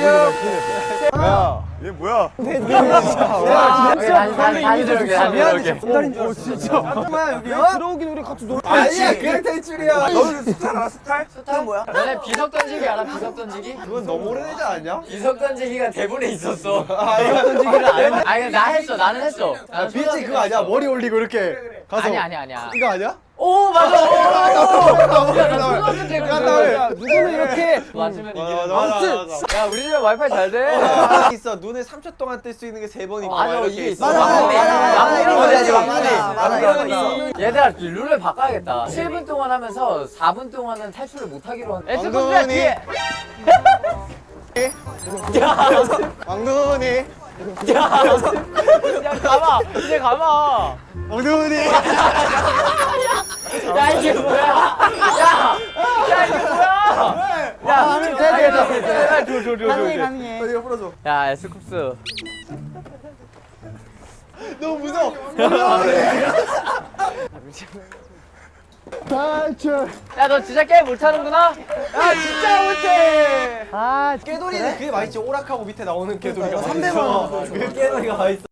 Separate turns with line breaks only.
야, 얘 뭐야?
진짜. 잠깐만 여기 들어오긴 우리 같이 놀.
아니야, 그냥 탈출이야. 너는 스타일 알아, 스타일?
스타는 뭐야?
너네 비석 던지기 알아? 비석 던지기?
그건 너무 오래되지 않냐?
비석 던지기가 대본에 있었어.
이거 던지기를 안 했나?
아니 나 했어. 나는 했어.
비치 그거 아니야? 머리 올리고 이렇게 가서.
아니야.
이거 아니야?
오 맞아.
누구는 이렇게
맞으면 이기는
맞아,
거.
맞아.
야 우리 집에 와이파이 잘 돼.
있어. 눈에 3초 동안 뜰 수 있는 게 3번 있고.
맞아
이렇게
이게
있어.
있어.
맞아.
막내 이런 거 해야지 막내.
맞아.
얘들아 룰을 바꿔야겠다. 7분 동안 하면서 4분 동안은 탈출을 못 하기로 한.
왕눈이.
뒤에.
왕눈이.
야 가마. 이제 가마.
왕눈이.
야 이게 뭐야? 야 이게 뭐야? 야 돼.
가능해.
이거 풀어줘.
야 에스쿱스.
너무 무서워.
야 너 진짜 게임 못하는구나?
아 진짜 못해.
아
깨돌이는 그게 맛있지. 오락하고 밑에 나오는 깨돌이가.
300원.
그 깨돌이가 맛있어.